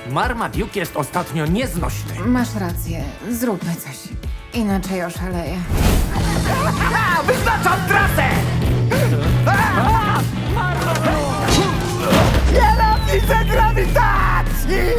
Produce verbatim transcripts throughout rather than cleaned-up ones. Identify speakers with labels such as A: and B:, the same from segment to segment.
A: Marmaduke jest ostatnio nieznośny.
B: Masz rację, zróbmy coś. Inaczej oszaleję.
C: A, wyznaczam trasę! Nienawidzę grawitacji!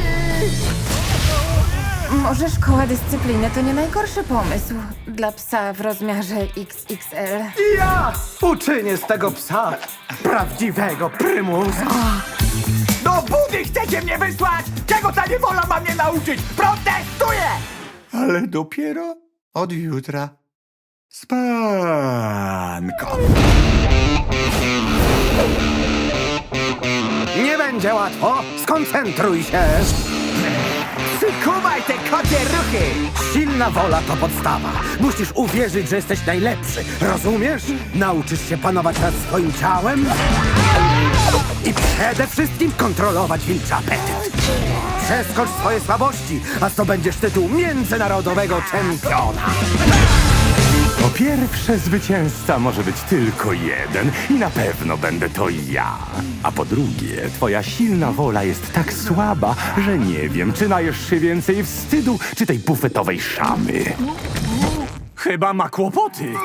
B: Może szkoła dyscypliny to nie najgorszy pomysł dla psa w rozmiarze X X L.
C: Ja uczynię z tego psa prawdziwego prymusa. Do budy chcecie mnie wysłać? Czego ta niewola ma mnie nauczyć? Protestuję! Ale dopiero od jutra. Spanko.
D: Nie będzie łatwo. Skoncentruj się.
C: Przykuwaj te kocie ruchy!
D: Silna wola to podstawa. Musisz uwierzyć, że jesteś najlepszy. Rozumiesz? Nauczysz się panować nad swoim ciałem i przede wszystkim kontrolować wilczy apetyt. Przeskocz swoje słabości, a zdobędziesz tytuł międzynarodowego czempiona.
E: Po pierwsze, zwycięzca może być tylko jeden i na pewno będę to ja. A po drugie, twoja silna wola jest tak słaba, że nie wiem, czy najesz się więcej wstydu, czy tej bufetowej szamy.
A: Chyba ma kłopoty.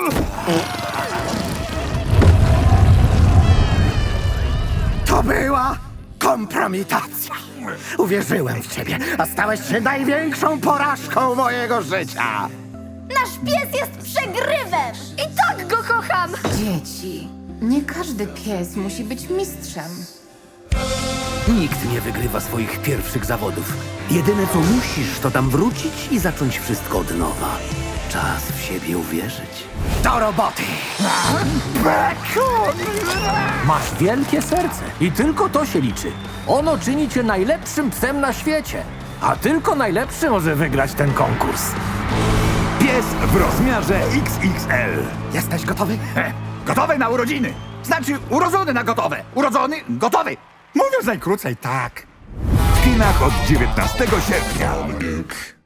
D: To była kompromitacja. Uwierzyłem w ciebie, a stałeś się największą porażką mojego życia.
F: Nasz pies jest przegrywem! I tak go kocham!
B: Dzieci, nie każdy pies musi być mistrzem.
G: Nikt nie wygrywa swoich pierwszych zawodów. Jedyne co musisz, to tam wrócić i zacząć wszystko od nowa. Czas w siebie uwierzyć.
D: Do roboty.
A: Masz wielkie serce i tylko to się liczy. Ono czyni cię najlepszym psem na świecie. A tylko najlepszy może wygrać ten konkurs.
C: Pies w rozmiarze X X L.
D: Jesteś gotowy?
C: He, gotowy na urodziny. Znaczy urodzony na gotowe. Urodzony, gotowy. Mówiąc najkrócej, tak. W kinach od dziewiętnastego sierpnia.